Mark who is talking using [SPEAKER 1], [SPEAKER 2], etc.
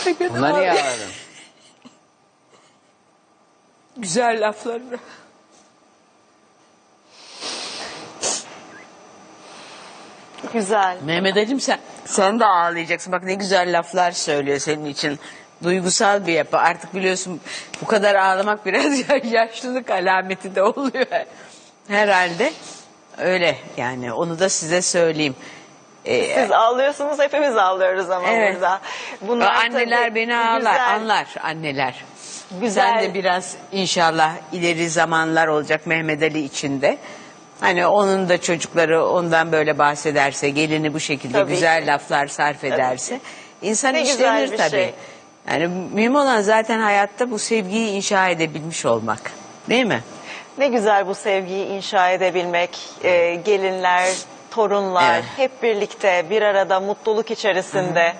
[SPEAKER 1] Buna niye ağladın?
[SPEAKER 2] Güzel laflar.
[SPEAKER 3] Güzel.
[SPEAKER 2] Mehmet Ali'm sen de ağlayacaksın. Bak ne güzel laflar söylüyor senin için. Duygusal bir yapı. Artık biliyorsun bu kadar ağlamak biraz yaşlılık alameti de oluyor. Herhalde öyle yani onu da size söyleyeyim.
[SPEAKER 3] Siz ağlıyorsunuz, hepimiz ağlıyoruz ama
[SPEAKER 2] Evet.
[SPEAKER 3] burada. Bunlar
[SPEAKER 2] Anneler
[SPEAKER 3] tabii
[SPEAKER 2] beni ağlar,
[SPEAKER 3] güzel.
[SPEAKER 2] anlar anneler.
[SPEAKER 3] Güzel.
[SPEAKER 2] Sen de biraz inşallah ileri zamanlar olacak Mehmet Ali için de. Hani onun da çocukları ondan böyle bahsederse, gelini bu şekilde
[SPEAKER 3] Tabii
[SPEAKER 2] güzel
[SPEAKER 3] ki.
[SPEAKER 2] laflar sarf ederse insan
[SPEAKER 3] Ne güzel
[SPEAKER 2] işlenir
[SPEAKER 3] bir
[SPEAKER 2] tabii.
[SPEAKER 3] şey.
[SPEAKER 2] Yani mühim olan zaten hayatta bu sevgiyi inşa edebilmiş olmak. Değil mi?
[SPEAKER 3] Ne güzel bu sevgiyi inşa edebilmek, gelinler, torunlar
[SPEAKER 2] Evet.
[SPEAKER 3] hep birlikte bir arada mutluluk içerisinde.